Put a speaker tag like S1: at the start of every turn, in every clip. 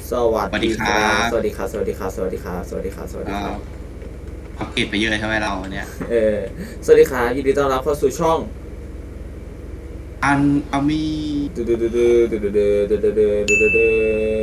S1: สวัส
S2: สวัส
S1: ดีครั
S2: ดีครั
S1: บ สวัส
S2: บ
S1: ดีครับ สวัสดีครับ สวัสดีครับ สวัสดีครับ สวัสดี
S2: ก็
S1: ครับ
S2: อัปเกรดไปเยอะใช่ไหมเราเนี่ย
S1: เออสวัสดีครับยินดีต้อนรับเข้าสู่ช่อง
S2: อันอามี
S1: ดูดูดูดูดูดูดูดูดูดูดูดู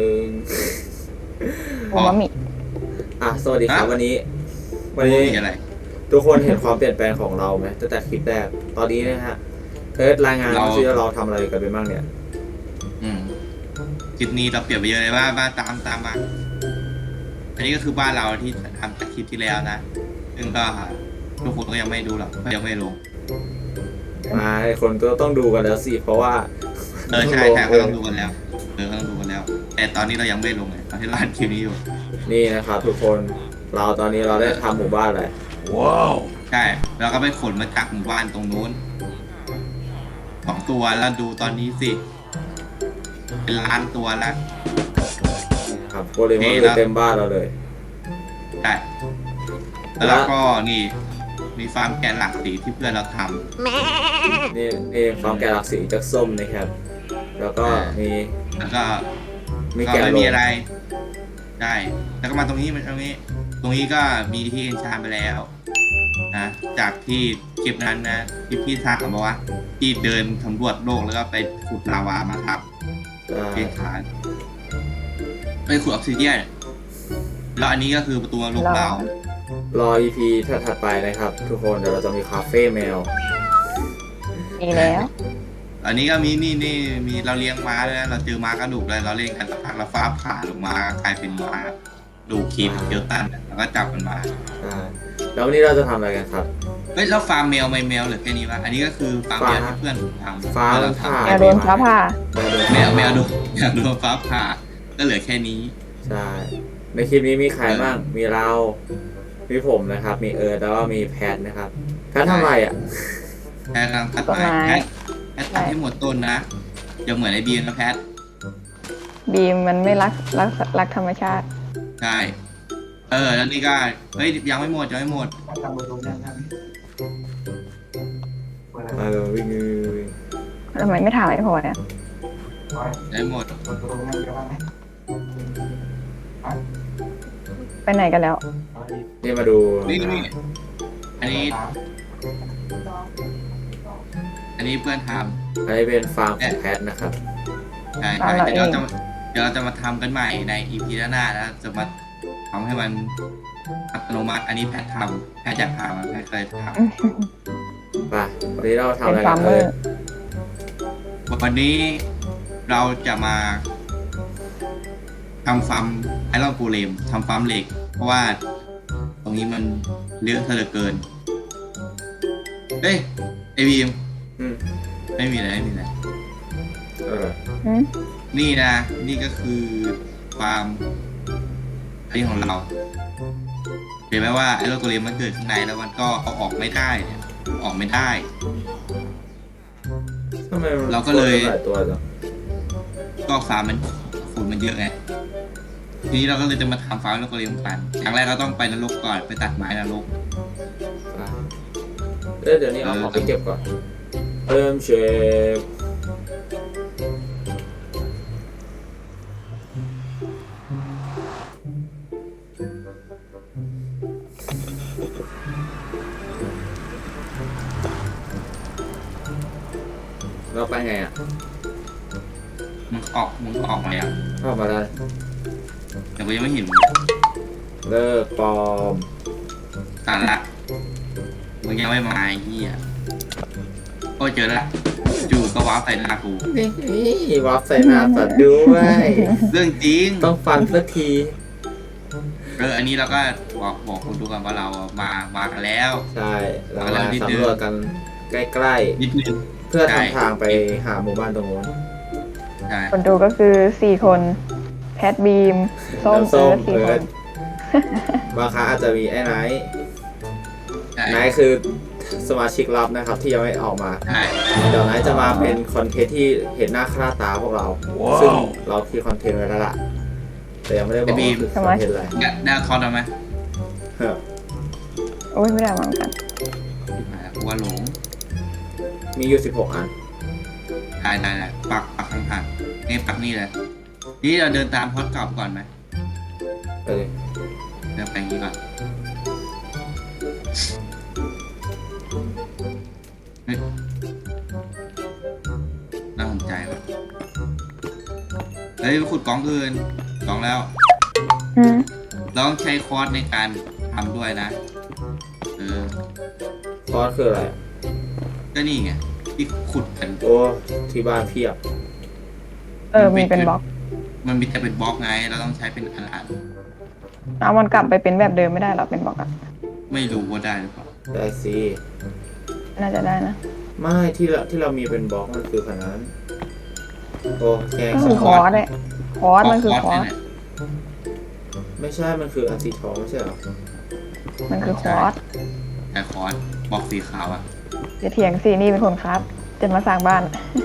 S2: อ๋อ
S3: อูมามิ
S1: สวัสดีครับ
S2: ฮะ
S1: วันนี้
S2: มีอะไร
S1: ทุกคนเห็นความเปลี่ยนแปลงของเราไหมตั้งแต่คลิปแรกตอนนี้นะฮะรายงานมาซิว่าเราทำอะไรกันไปบ้างเนี่ย
S2: อืมคลิปนี้เราเปลี่ยนไปเยอะเลยว่าบ้านตามมาอันนี้ก็คือบ้านเราที่ทำจากคลิปที่แล้วนะซึ่งก็ทุกคนก็ยังไม่ดูหรอกเพราะยังไม่ลง
S1: คนก็ต้องดูกันแล้วสิเพราะว่า
S2: ใช่ก็ต้องดูกันแล้วก็ต้องดูกันแล้ว แต่ตอนนี้เรายังไม่ลงไงตอนที่เราอัดคลิปนี้อยู่
S1: นี่นะครับทุกคนตอนนี้เราได้ทำหมู่บ้านเลย
S2: ใช่แล้วก็ไปขนมาจากหมู่บ้านตรงนู้น2 ตัวแล้วดูตอนนี้สิเป็นล้านตัวแล้ว
S1: ครับโกเลมอนเลยเต็มบ้านเราเลย
S2: ใช่แล้วก็นี่มีฟาร์มแกะหลักสีที่เพื่อนเราท
S1: นี่ฟาร์มแกะหลักสีจากส้มนะครับ แล้วก็มี
S2: ำแล้วก็
S1: มี
S2: ก็
S1: แกะ
S2: ไม่
S1: ล
S2: มี
S1: ง
S2: อะไรใช่แล้วก็มาตรงนี้ก็มีที่เอนชานไปแล้วนะจากที่คลิปนั้นนะที่พี่ทักมาว่าที่เดินสำรวจโลกแล้วก็ไปขุดลาวามาครับเอนชานไปขุดออกซิเดียนแล้วอันนี้ก็คือประตูโลกเรา
S1: รอ EP ถัดไปนะครับ ทุกคนเดี๋ยวเราจะมีคาเฟ่แมว
S3: มีแล้ว
S2: อันนี้ก็มีนี่มีเราเลี้ยงม้าด้วยนะเราเจอม้ากระดูกเลยเราเล่นกันสักพักเราฟ้าผ่าลงมากลายเป็นม้าดูคลิปเกียวตันแล้วก็จับมันมา
S1: แล้ววันนี้เราจะทำอะไรกันครับ
S2: เฮ้ยแล้วฟาร์มแมวไม่แมวเหลือแค่นี้วะอันนี้ก็คือฟาร์มแมวที่เพื่อนผมทำ
S1: ฟาร์ม
S2: เรา
S1: ผ่า
S2: ทำ
S3: แมวโดนฟ้าผ่า
S2: แมวโดนฟ้าผ่าก็เหลือแค่นี้
S1: ใช่ ในคลิปนี้มีใครบ้างมีเรา มีผมนะครับ มีแล้วก็มีแพทนะครับแพททำอะไรอ่ะ
S2: แพทกำลังตัดไม้แพทตัดให้หมดต้นนะอย่าเหมือนไอ้บีมนะแพท
S3: บีมมันไม่รักธรรมชาติ
S2: ใช่แล้วนี่ก็เฮ้ยยังไม่หมด
S1: มาเลยวิ่ง
S3: ทำไมไม่ถามไอ้พอเนี่ย
S2: ได้หมด
S3: ไปไหนกันแล้ว
S1: นี่มาดู
S2: นี่อันนี้เพื่อนทำ
S1: อันนี้เป็นฟาร์มของแพทนะครับ
S2: ใช่
S3: ฟาร์มเรา
S2: เดี๋ยว
S3: เอง
S2: เราจะมาทำกันใหม่ใน EP หน้าแล้วจะมาทำให้มันอัตโนมัติอันนี้แพทอยากทำแพทเคยท
S1: ไปวันนี้เราทำ
S3: เป็
S1: อะ
S3: น
S1: ไร
S3: ฟา
S1: กั
S3: ร์
S1: น
S3: มเมอร์
S2: ำวันนี้เราจะมาทำฟาร์มไอรอนโกเลมทำฟาร์มเหล็ก เพราะว่าตรงนี้มันเลือกเหลือเกินเอ้ยไอบีม
S1: อืม
S2: ไม่มีอะไร
S1: เออ
S3: หืม
S2: นี่นะ นี่ก็คือฟาร์มอันนี้ของเราเห็นไหมว่าไอ้โลโกเลมมันเกิดข้างในแล้วมันก็เอาออกไม่ได้เนี่ยออกไม่ได้
S1: ทำไมมัน
S2: เราก็เลย
S1: หลายตัวจัง
S2: ก็ฟาร์มมันฝุ่นมันเยอะไงทีนี้เราก็เลยจะมาทำฟาร์มโลโกเลมกันอย่างแรกเราต้องไปนรกก่อนไปตัดไม้นรก
S1: เดี๋ยวนี้เอาของไปเก็บก่อนเริ่มเชฟเราไปไงอ่ะ
S2: มึงออกมาแล้ว
S1: เข้ามาได้
S2: แต่กูยังไม่เห็นมึง
S1: เลิกปลอม
S2: ตัดละมึงยังไม่มาไอ้เหี้ยก็เจอละจู่ก็ว้าวใส่หน้ากู
S1: นี่วับใส่หน้าสัตว์ด้วย
S2: เรื่องจริง
S1: ต้องฟันสักที
S2: อันนี้เราก็บอกคนดูกันว่าเรามากันแล้ว
S1: ใช่เรา
S2: เอาแล้วนิดนึง
S1: สำรวจกันใกล้
S2: นิดนึง
S1: ๆ เพื่อ
S2: ใช่
S1: ทำทางไปหาหมู่บ้านตรงนู้น
S2: ใช่
S3: คนดูก็คือ4 คน แพทบีม ส้ม
S1: แล้วส้ม
S3: 4 คน
S1: บางครั้งอาจจะมีไอ้ไนท์
S2: ใช่
S1: ไนท์คือสมาชิกลับนะครับที่ยังไม่ออกมา
S2: ใช่
S1: เดี๋ยวไนท์จะมาเป็นคอนเทนต์ที่เห็นหน้าค่าตาพวกเรา ซึ่งเราคิดคอนเทนต์ไว้แล้วล่ะ แต่ยังไม่ได้บอกว่าคือคอนเทนต์อะไร
S2: ได้คอร์ดไหม
S1: เฮ้อ
S3: โอ้ยไม่ได้มาเหมือนกัน
S2: ว่าหลง
S1: มีอยู่16 อัน
S2: ได้ปักข้างๆนี่ปักนี่เลยนี่เราเดินตามพอดกลับก่อนไหม
S1: ไปเลย
S2: เดินไปอย่างนี้ก่อนเฮ้ยน่าสนใจว่ะเฮ้ยขุดกล่องอื่นกล่องแล้ว
S3: อืม
S2: เราต้องใช้คอร์สในการทำด้วยนะ
S1: คอร์สคืออะไร
S2: ก็นี่ไงที่ขุดกัน
S1: โอ้ที่บ้านเพียบ
S3: มีเป็นบล็อก
S2: มันมีแต่เป็นบล็อกไงเราต้องใช้เป็นอัน
S3: เอามันกลับไปเป็นแบบเดิมไม่ได้หรอเป็นบล็อกอะ
S2: ไม่รู้ว่าได้หรือเปล่า
S1: ได้สิ
S3: น่าจะได้นะ
S1: ไม่ที่เรามีเป็นบล็อกมันคือขนาดนั้นโอ้แกง
S3: ก็
S1: ส
S3: คือ
S1: ม
S3: ค
S1: อ
S3: อง ร์สเลยคอร์สมันคือคอร์ส
S2: เนี่ย
S1: ไม่ใช่มันคืออันสีทองไม่ใช่เหรอ
S3: มันคือคอร์ส
S2: แต่คอร์สบล็อกสีขาวอ่ะ
S3: จะเถียงสินี่เป็นคนครับ จะมาสร้างบ้าน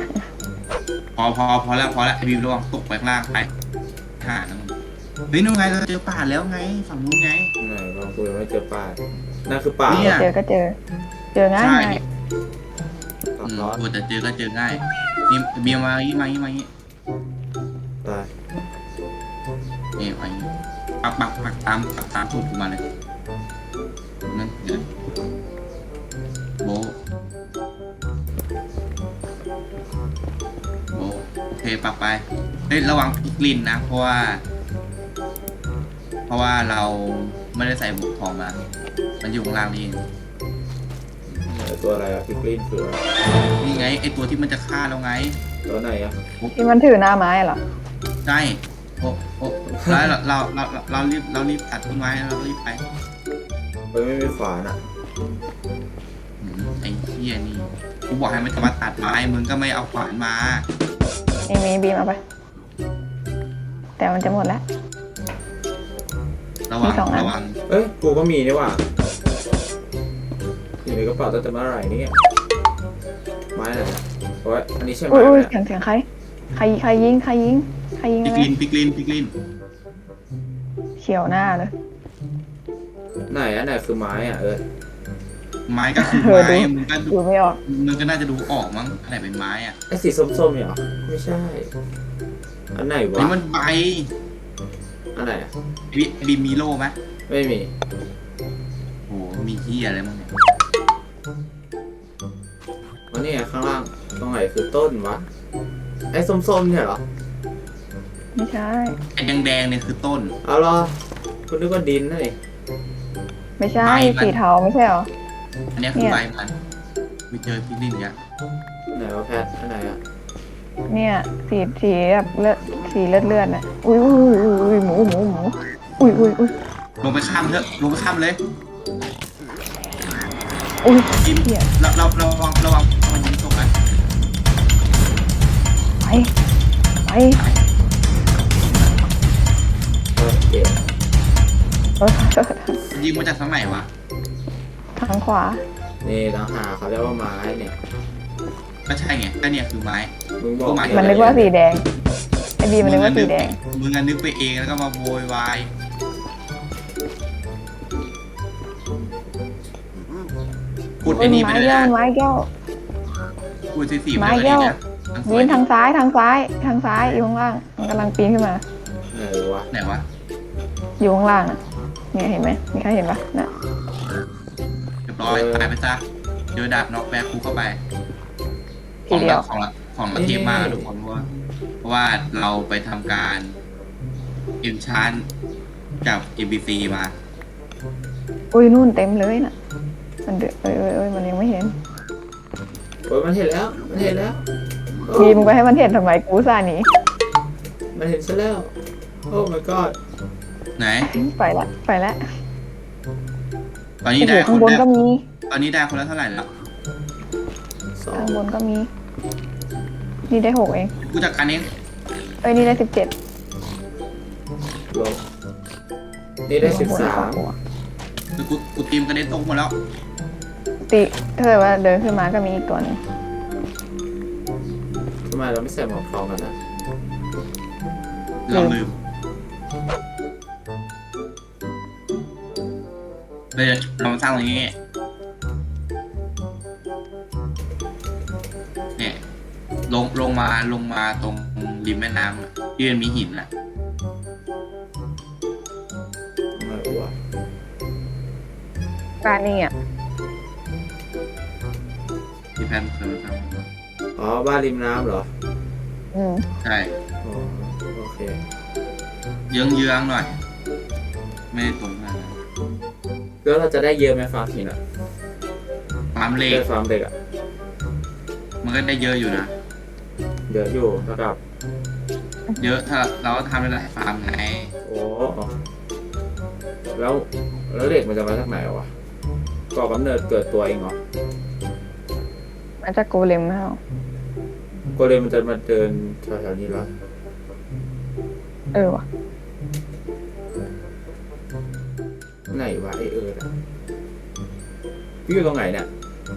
S2: พอแล้วไอ้บีมระวังตกไปข้างล่างไปห่านะมึงเฮ้ยนู่นไงเราเจอป่าแล้วไงฝั่งนู้นไง
S1: ไหนลองคุยไม่เจอป่านั่นคือป่า
S2: เนี่ย
S3: เจอก็เจอ เจอง่าย
S2: ใช่
S3: ง่าย
S1: ตัดร้อน
S2: โอ้แต่เจอก็เจอง่ายนี่บีมมาอย่างนี้มาอย่างนี้
S1: ไป
S2: นี่ไปอย่างนี้ปักตามสูตรมาเลยนั่นเดี๋ยวโบะโอเคปักไปเฮ้ยระวังพลิกลิ้นนะเพราะว่าเราไม่ได้ใส่บุกทองมา มันอยู่ข้างล่างนี่เอง
S1: ไหนตัวอะไรอะพิกลินคืออะไร
S2: นี่ไงไอตัวที่มันจะฆ่าเราไง
S1: ตัวไหนอะ
S3: ที่มันถือหน้าไม้เหรอ
S2: ใช่โอ้แล้วเรารีบตัดทิ้งไว้แล้วเรารีบไป
S1: ไม่มีขวานอะ
S2: ไอ้เหี้ยนี่กูบอกให้มันจะมาตัดไม้มึงก็ไม่เอาขวานมา
S3: มีบีมเอาไป แต่มันจะหมดแล้ว
S2: ระวั
S3: มี
S2: ง
S3: สองอัน
S2: ระวัง
S1: เอ้ยกูก็มีนี่หว่าอยู่ในกระเป๋าตั้งแต่เมื่อไหร่เนี่ยไม้อะไรอะโอ้ยอันนี้ใช่ไหม
S3: อุ้ย
S1: เนี่ย
S3: เสียงใครใครยิงอะไร
S2: ปิกลิน
S3: เฉียวหน้าเลย
S1: ไหนอันไหนคือไม้อะ
S2: ไม้ก็คือ
S3: เออ
S2: ไม้
S3: ดู ดูไม่ออก
S2: มึงก็น่าจะดูออกมั้งอันไหนเป็นไม้อ่ะ
S1: ไอ้สีส้มๆเนี่ยเหรอไม่ใช่ อันไหนวะ
S2: นี่มันใบ
S1: อันไหนอะ
S2: บีมีโล่ไหม
S1: ไม่มี
S2: โอ้มีเหี้ยอะไรมั้งเนี่ย
S1: วันนี้ข้างล่างตรงไหนคือต้นวะไอ้ส้มๆเนี่ยเหรอ
S3: ไม่ใช่
S2: ไอ้แดงๆเนี่ยคือต้น
S1: เอาเหรอคุณนึกว่าดินนั่นเอง
S3: ไม่ใช่
S2: ไม่มัน
S3: สีเทาไม่ใช่เหรอ
S2: อันเนี้ยคือใบมันไม่เจอพิกลินเนี่ย
S1: ไหนวะแพทอันไหนอะ
S3: เนี่ยสีแบบเลือดสีเลือดน่ะอุ้ยหมูอุ้ย
S2: ลงไปข้ามเถอะลงไปข้ามเลย
S3: อุ้ย
S2: กิน
S3: เหี้ย
S2: ระวังมันยิงตกนะ
S3: ไป
S1: โอเค
S2: ยิงมาจากทางไหนวะ
S3: ทางขวา
S1: นี่ต่างหากเขาเรียกว่าไม้เนี่ย
S2: ก็ใช่ไงก็เนี่ยคือไม้
S1: มึงบอก
S3: มันนึกว่าสีแดงไอบีมันนึกว่าสีแดง
S2: มึงนึกไปเองแล้วก็มาโวยวายพูดไอ้นี่ไป
S3: ไม้
S2: เลย
S3: แก้ว
S2: นะ
S3: ไม้แก้ว
S2: พูดสีไป
S3: ไม้
S2: เลย
S3: แก้ว
S2: นะ
S3: ยินทางซ้ายอยู่ข้างล่างมันกำลังปีนขึ้นมา
S1: ไหนวะ
S2: ไหนวะ
S3: อยู่ข้างล่างน่ะเนี่ยเห็นไหมมีใครเห็นปะน่ะ
S2: เรียบร้อยตายไปซะเจอดาบน็อกแบกกูเข้าไป
S3: ทีเดียว
S2: ของละเทพมากทุกคนเพราะว่าเราไปทำการอินชานกับ MBC มา
S3: อุ้ยนู่นเต็มเลยน่ะมันเดือดมันยังไม่เห็น
S1: โอ้ยมันเห็นแล้วโอ้
S3: บีมงไปให้มันเห็นทำไมกูซ่าหนี
S1: มันเห็นซะแล้วโอ้ my god
S2: ไหน
S3: ไปละ
S2: ตอนนี้
S3: โอ้โห
S2: ได้ค
S3: ข้าง
S2: น
S3: บน
S2: ละ
S3: ก็มี
S2: ตอนนี้ได้คนละเท่าไหร่แล้ว
S1: สอง
S3: ข้างบนก็มี นี่ได้6เอง
S2: กูจัดการเอง
S3: นี่ได้17
S1: ลงนี่ได้13
S2: คือกูทีมกันเด็นตกหมดแล้ว
S3: ติถ้าเกิดว่าเดินขึ้นมาก็มีอีกตัวหนึง
S1: ทำไมเราไม่ใส่หมวกทองกันนะ
S2: เราลืมเลยเรามาสร้างตรงนี้เนี่ยลงมาตรงริมแม่น้ำที่มันมีหินแหละ
S1: ไม่วะ
S3: บ้านนี่อ่ะ
S2: ที่แพนเคยท
S1: อ๋อบ้านริมน้ำเหรอ
S3: อืม
S2: ำใช่
S1: อ๋อโอเค
S2: เยื้องๆหน่อย ไม่ได้ตรงขนาดนั้น
S1: แล้วเราจะได้เยอะไหมฟาร์มหินอ่ะ
S2: ฟาร์มเหล็ก
S1: ได้ฟาร์มเด็กอ่ะ
S2: มันก็ได้เยอะอยู่นะ
S1: เยอะอยู่ระดับ
S2: เยอะถ้าเราก็ทำได้หลายฟาร์มไง
S1: โอ้แล้วแล้วเด็กมันจะมาจากไหนวะก่อกำเนิดเกิดตัวเองเหรอ
S3: มันจะโกเลมไม่เอา
S1: ก็เลยมันจะมาเดินแถวๆนี้เหรอ
S3: ว่ะ
S1: ไหนวะไอน่ะพี่อยู่ตรงไหนเนี่ย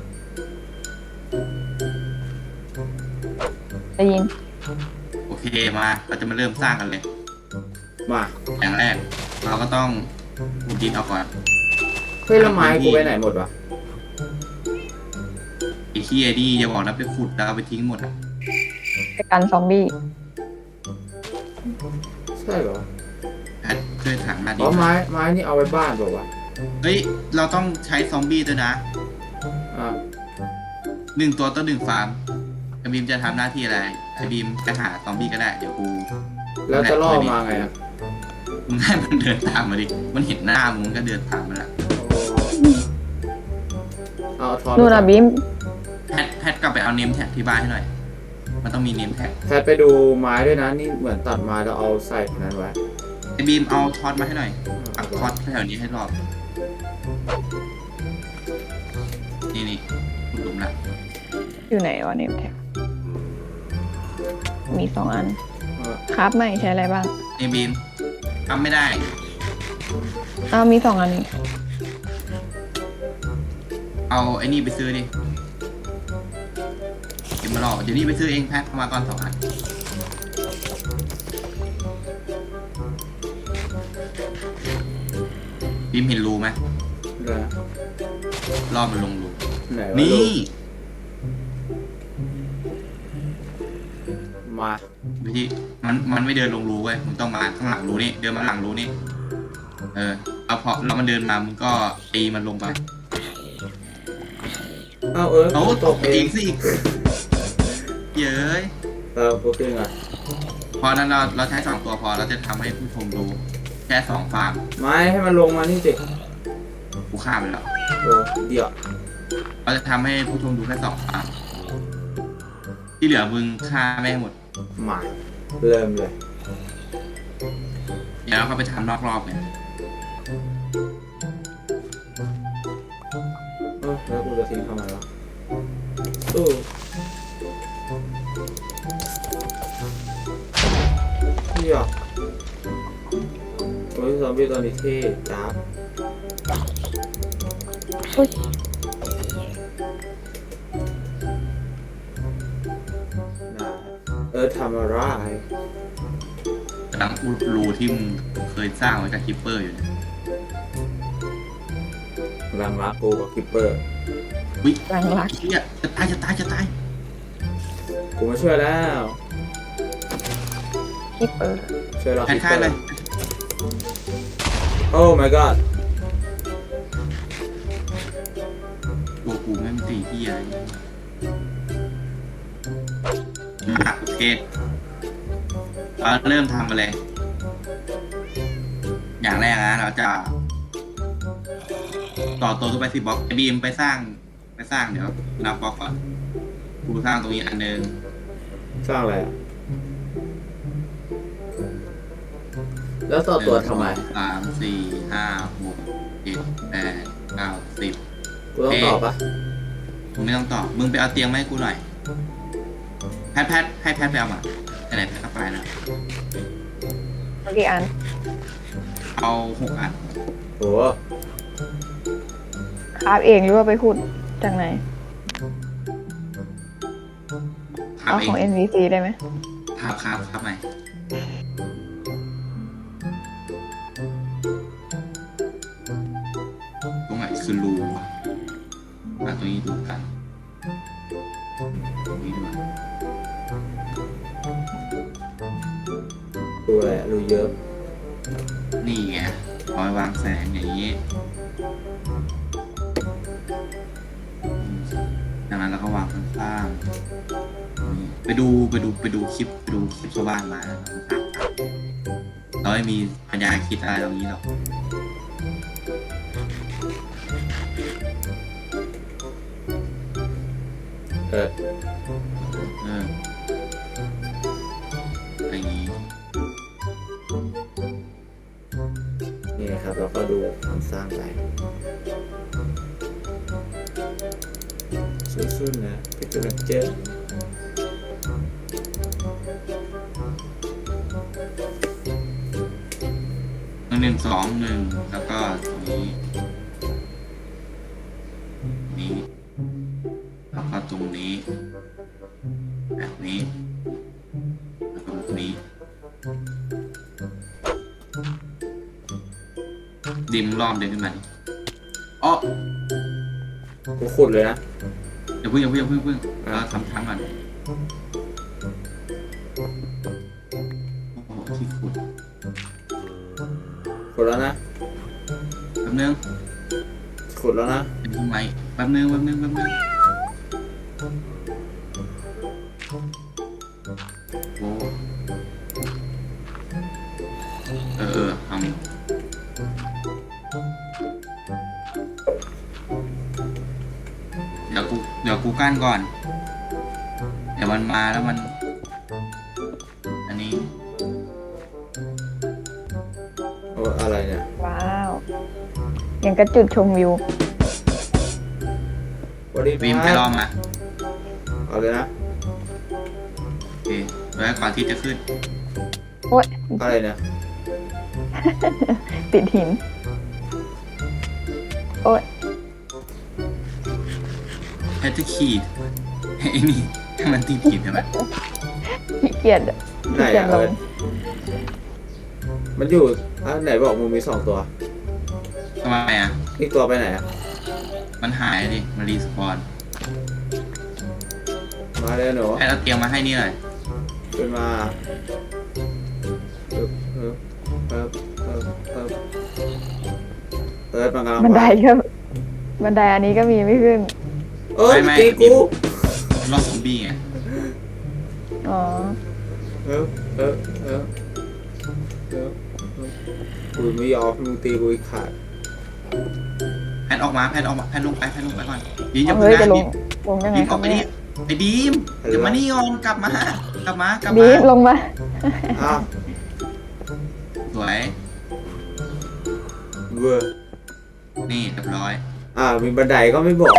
S3: ได้ยิน
S2: โอเคมาเราจะมาเริ่มสร้างกันเลย
S1: มา
S2: อย่างแรก เราก็ต้องขุดดินเอาก่อน
S1: เฮ้ยแล้วไม้กูไปไหนหมดวะ
S2: ไอ้ที่ไอ้นี่อย่าบอกนะไปขุดแล้วเอาไปทิ้งหมดอ่ะ
S3: ไปกันซอมบี้
S1: ใช่เหรอ
S2: แพทช่วยถามมาดิ
S1: อ๋อไม้นี่เอาไว้บ้านบอกว่าวะ
S2: เฮ้ยเราต้องใช้ซอมบี้ด้วยนะ
S1: อ่า
S2: 1 ตัวต่อ 1 ฟาร์มไอ้บีมจะทำหน้าที่อะไรไอ้บีมจะหาซอมบี้ก็ได้เดี๋ยวกู
S1: แล้วจะล่อมาไงอ่ะ
S2: มึงให้มันเดินตามมาดิมันเห็นหน้ามึงมันก็เดินตามมาละ
S1: เอาทอน
S3: นู่นอ่ะบีม
S2: แพทกลับไปเอาเนมแท็กที่บ้านให้หน่อย มันต้องมีเนมแท็ก
S1: แพทไปดูไม้ด้วยนะนี่เหมือนตัดไม้แล้วเอาใส่ในนั้นไว้
S2: ไอ้บีมเอาท็อตมาให้หน่อยปักท็อตแถวนี้ให้รอบนี่หลุมละ
S3: อยู่ไหนวะเนี่ยแท็กมี2 อัน
S1: เออ
S3: ครับไม่ใช้อะไรบ้าง
S2: ไอ้บีมทำไม่ได้
S3: มี2 อันนี้
S2: เอาไอ้นี่ไปซื้อดิเก็บมาหลอกเดี๋ยวนี้ไปซื้อเองแพทเข้ามาก่อน2 อันบีมเห็นรูไหม
S1: เดี๋ยวนะ
S2: รอบมันลงรู
S1: ไหนวะ
S2: นี่
S1: มา
S2: วิธีมันไม่เดินลงรูเว้ยมึงต้องมาข้างหลังรูนี่เดินมาหลังรูนี่เอาพอเรามันเดินมามึงก็ตีมันลงไป
S1: เอา
S2: เอา
S1: ต
S2: ต
S1: ก
S2: ก
S1: เอ
S2: เอง งสิเย้ย
S1: กูขึ้นอ่ะ
S2: พอนั้นเราใช้2 ตัวพอเราจะทำให้ผู้ชมดูแค่2 ฟาร์ม
S1: ไม้ให้มันลงมานี่สิ
S2: กูฆ่าไปแล้ว
S1: โอ้เดี๋ยว
S2: เราจะทำให้ผู้ชมดูแค่2 ฟาร์มที่เหลือมึงฆ่าแม่งหมด
S1: มาเริ่มเลย
S2: เดี๋ยวเราก็ไปทำนอกรอบไง
S1: แล้วกูจะทิ้งทำไมวะเดี๋ยวโอ้ยซอมบี้ตัวนี้เท่จ้าบ
S3: อุ๊ย
S1: ทำอะไร
S2: กำลังอุดรูที่มึงเคยสร้างไว้กับคิปเปอร์อยู่เนี่ย
S1: รังรักกูกับคิปเปอร์
S2: วิ
S3: หลังรัก
S2: เฮียจะตาย
S1: กูมาช่วยแล้ว
S3: คิปเปอร์
S1: ช่วยเรา
S2: แพ
S1: คิ
S2: น
S1: ป
S2: ฆ่า
S1: เปอ
S2: เลย
S1: ร์โอ้ my god
S2: ตัวกูไม่มีตีเฮียอะไรโอเคเราเริ่มทำมาเลย อย่างแรกนะเราจะต่อตัวขึ้นไป10 บล็อกไอบีมไปสร้างเดี๋ยวนับบล็อกก่อนกูสร้างตรงนี้อันหนึ่ง
S1: สร้างอะไรอ่ะ แล้วต่อตัวทำไม
S2: 1 2 3 4 5 6 7 8 9 10
S1: กูต้องตอบปะ
S2: มึงไม่ต้องตอบ มึงไปเอาเตียงมาให้กูหน่อย ให้แพทไปเอามาไหนแพทก็ไปนะ
S3: กี่อัน
S2: เอา6 อัน
S1: โอ้
S3: ครับเองหรือว่าไปขุดจากไหน
S2: ขับ
S3: เอา
S2: เอ
S3: ของ
S2: ง
S3: NPC ได้ไหม
S2: ขับใหม่ตรงไหนคือรูวะมาตรงนี้ดูกันตรงนี้ด้วย
S1: อะไรรูเยอะ
S2: นี่ไงเอาไว้วางแสงอย่างนี้ดังนั้นเราก็วางข้างๆนี่ไปดูคลิปชาวบ้านมานะครับเราไม่มีปัญญาคิดอะไรตรงนี้หรอก
S1: เออ
S2: อย่างนี้
S1: นี่ครับเราก็ดูมันสร้างไปสู้ๆนะเป็นกำลังใจ
S2: 1 2 1แล้วก็ตรงนี้นี่แล้วก็ตรงนี้แบบนี้แล้วก็แบบนี้ดิมรอบเดินขึ้นมาดิอ๋อ
S1: กูขุดเลยนะ
S2: อย่าเพิ่งเราทำทางก่อนโอ้โหที่ขุด
S1: ขุดแล้วนะ
S2: แป๊บนึง
S1: ขุดแล้วนะ
S2: เป็นทำไมแป๊บนึงโอ้ทำเดี๋ยวกูกั้นก่อน เดี๋ยวมันมาแล้วมัน อันนี้
S1: โอ้อะไรเนี่ย
S3: ว้าวอย่างกระจุดชมวิว
S1: วันนี้
S2: วิมไปลองมา
S1: เอาเลยนะ
S2: โอเคไว้ก่อนที่จะขึ้น
S3: โอ๊ย
S1: อะไรเนี่ย
S3: ติดหิน โอ๊ย
S2: แพทจะขีดไอ้นี่ถ้ามันติดขีดใช่ไหม
S3: ขี้เกียจ
S1: ไหน
S3: ขี้เกียจ
S1: อะ
S3: ล
S1: เอิญ
S3: ง
S1: มันอยู่ไหนบอกมึงมี2 ตัว
S2: ทำไมอ่ะ
S1: อีกตัวไปไหนอะ
S2: มันหายดิมันรีสปอน
S1: มาเลยหนู
S2: ให้เราเตรียมมาให้นี่หน่อย
S1: ขึ้นมาเอิร์ธมันกำลัง
S3: บันไดก็บันไดอันนี้ก็มีไม่ขึ้น
S1: เอ้ย
S2: ไม่
S1: ตีกู
S2: รอบซอมบี้ไง
S3: อ๋อ
S1: เออกูไม่ยอมมึงตีกูอีกขาด
S2: แพนออกมาแพนลงไปก่อนดีอย่า
S3: เอา
S2: เพิ่
S3: เฮ้
S2: ง
S3: ย
S2: นะ
S3: จะลงยังไง
S2: ดีม
S3: ค
S2: อ
S3: รั
S2: อบ กไป
S3: เนี่
S2: ดิ
S3: ย
S2: ไอ้ดีมเดี๋ยวมานี่ก่อนกลับมา
S3: บีมลงมา
S1: อ้าว
S2: สวย
S1: เวอร์
S2: นี่เรียบร้อย
S1: มีบันไดก็ไม่บอก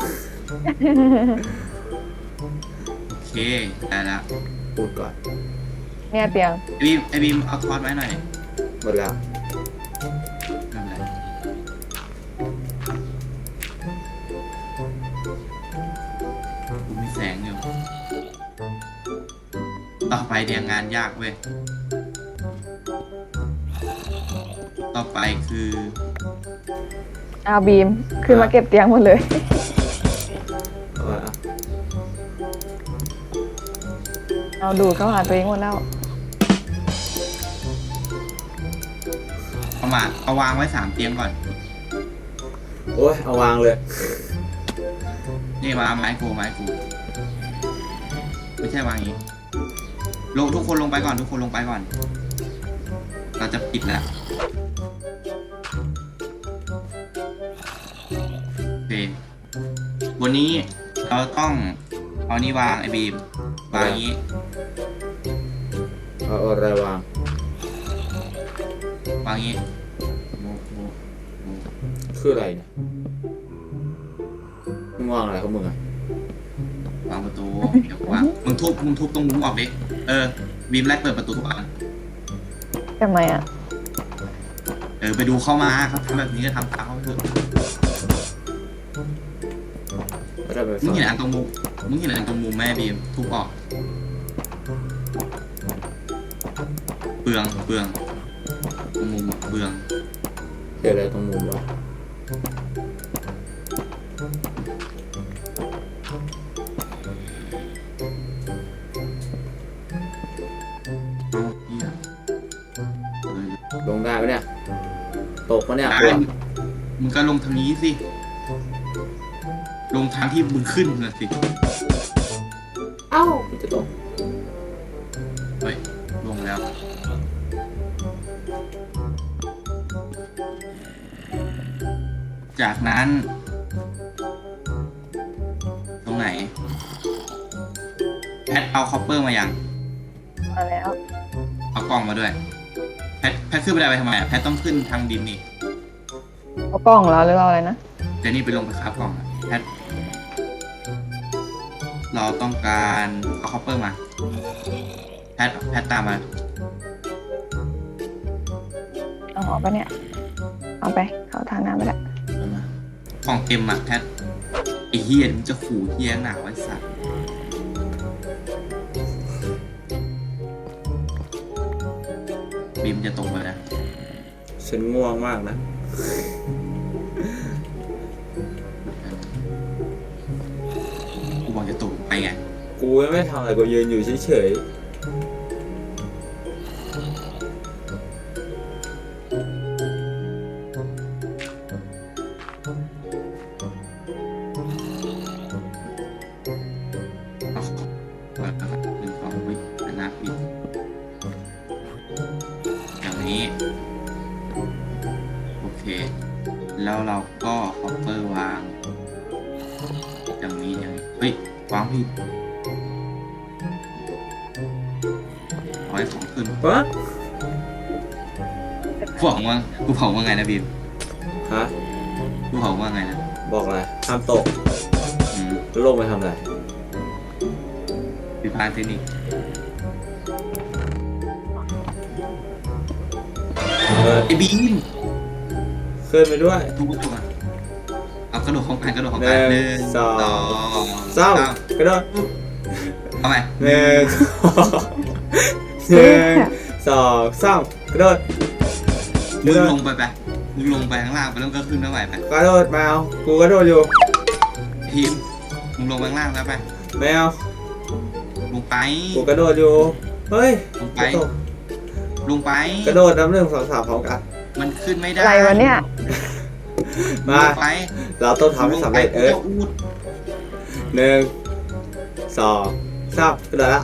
S2: โอเคได้แล้ว
S1: พูดก่อน
S3: เนี่ยเตียง
S2: ไอ้บีมเอาทอดไว้หน่อย
S1: หมดแล้ว
S2: ไม่เป็นไรกูมีแสงอยู่ต่อไปเนี่ยงานยากเว้ยต่อไปคือ
S3: เอาบีมขึ้นมาเก็บเตียงหมดเลย เอาดูดเข้าหาตัวเองหมดแล้ว
S2: เอาวางไว้3 เตียงก่อน
S1: โอ้ยเอาวางเลย
S2: นี่มาไม้กูไม่ใช่วางอย่างนี้ทุกคนลงไปก่อนเราจะปิดแล้วโอเควันนี้เราต้องเอานี่วางไอ้บีมวางอย่างนี้
S1: เอาอะไรวาง
S2: วางอย่างนี้
S1: คืออะไรเนี่ยมึงวางอะไรของมึงอะ
S2: วางประตูเดี๋ยววางมึงทุบตรงมุมออกดิบีมแรกเปิดประตูทุกอัน
S3: ทำไมอ่ะ
S2: ไปดูเข้ามาครับทำแบบนี้ก็ทำตามเขาเถอะ
S1: ไม่ได้ไป
S2: มึง
S1: ฟัง
S2: เห็นอันตรงมุมแม่บีมทุบออกเปลืองตรงมุมเปลือง
S1: เดี๋ยวอะไรตรงมุมวะ
S2: เอาเหี้ย
S1: ปะเนี่ยตกปะเนี่ย
S2: ได้มึงก็ลงทางนี้สิลงทางที่มึงขึ้นน่ะสิ
S1: เอ้าจะตก
S2: เฮ้ยลงแล้ว จากนั้น ตรงไหนแพทเอาคอปเปอร์มายัง
S3: มาแล้ว
S2: เอากล้องมาด้วยแพทขึ้นไปได้ไปทำไมอ่ะแพทต้องขึ้นทางดินนี่
S3: เอากล้องเหรอหรือเอาอะไรนะ
S2: เดี๋ยวนี่ไปลงไปคราฟกล่องอะแพทเราต้องการเอาคอปเปอร์มาแพทตามมา
S3: เอาออกปะเนี่ย เอาไปเขาทางน้ำไปละ
S2: ของเต็มอ่ะแพทไอ้เฮียมันจะขู่เฮียหนาไว้สัตว์บีมจะตกไปนะ
S1: ฉันง่วงมากนะ
S2: กูบอกจะตกไปไง
S1: กูไม่ทำอะไรกูยืนอยู่เฉย
S2: หนึ่งสองวินาทีอย่างนี้โอเคแล้วเราก็คอปเปอร์วางอย่างนี้เฮ้ยวางผิดเอาไว้ของขึ้น
S1: ๆวะ
S2: กูบอกว่าไงนะบีม
S1: ฮะ
S2: กูบอกว่าไงนะ
S1: บอกอะไรห้ามตก
S2: อืม
S1: แล้วลงไปทำอะไร
S2: ผิดพลาดเทคนิค ไอ้บีม
S1: ขึ้นไปด้วย
S2: ทุกตัวเอากระโดดของกัน
S1: หนึ่
S2: หนึ่
S1: ง
S2: ง
S1: สอง
S2: สาม
S1: กระโดด
S2: เอาไป
S1: หนึ่งหนึ่งสองสามกระโดด
S2: มึงลงไปมึงลงไปข้างล่างไปแล้วก็ขึ้นมาใหม่ไป
S1: กระโดดแมวกูกระโดดอยู่
S2: ทีมมึงลงไปข้างล่างแล้วไป
S1: แมว
S2: ลงไป
S1: กูกระโดดอยู่เฮ้ย
S2: ลงไป
S1: จะตก
S2: ลงไป
S1: กระโดดน้ำหนึ่งสองสามพร้อมกัน
S2: มันขึ้นไม่ได้
S3: อะไรวะเนี่ย
S1: มา
S2: ลงไป
S1: เราต้องทำให้สำเร็จ
S2: ลงไปกูจะอูด
S1: หนึ่งสองสามกระโดดละ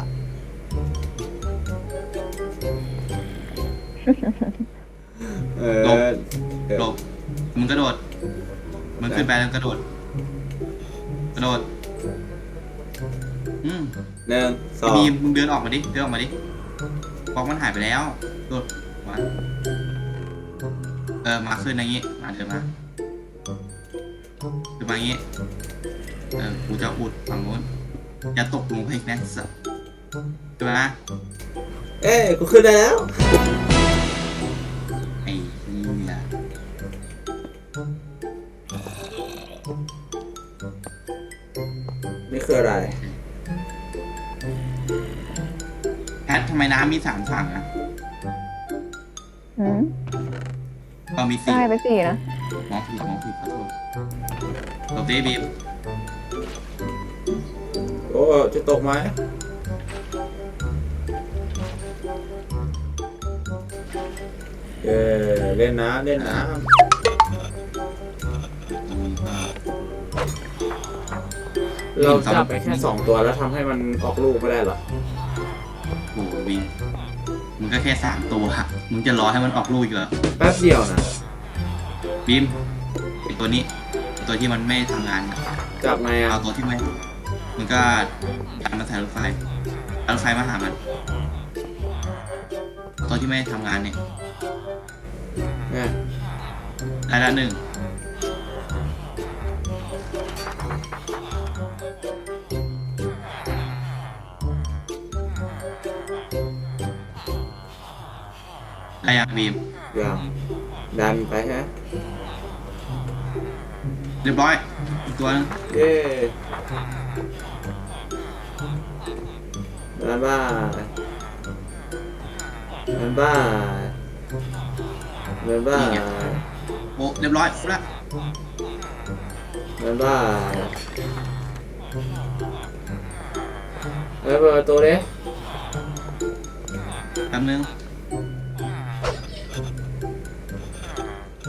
S1: เออ
S2: หลบมึงกระโดดมึงขึ้นไปแล้วกระโดด
S1: หนึ่งสอง
S2: มีมึงเดินออกมาดิบล็อกมันหายไปแล้วโดดมามาขึ้นอย่างงี้มาเดินมาขึ้นมาอย่างงี้กูจะอุดฝั่งนู้นอย่าตกลงไปอีกนะสัสขึ้นมา
S1: เอ้ยกูขึ้นได้แล้ว
S2: ไอ้เหี้ย
S1: นี่คืออะไร
S2: แพททำไมน้ำมี3ฝั่งอะ
S3: อืม
S2: มี
S3: ได้
S2: 4
S3: ไปสี่นะ
S2: มองผิดขอโทษตบเดบีม
S1: โอ้จะตกไหมเล่นน้ำเราจับไปแค่2ตัวแล้วทำให้มันออกลูกไม่ได้เหรอ
S2: โอ้โหบีมมึงก็แค่3ตัวมึงจะรอให้มันออกลูกอีกเหรอ
S1: แป๊บเดียวนะ
S2: บีมไอตัวนี้ตัวที่มันไม่ทำงาน
S1: จับไงอ่ะ
S2: เอาตัวที่ไม่มันก็ดันมาใส่รถไฟมาหามันตัวที่ไม่ทำงานเนี่ย
S1: เนี่ย
S2: ได้ละ1ได้ยังบีม
S1: อย่างดันไปฮะ
S2: เรียบร้อยอีกตัวนึง
S1: เย้ดันบ้า
S2: โอ้เรียบร้อยละ
S1: ดันบ้าเปิดประตูดิ
S2: แป๊บนึง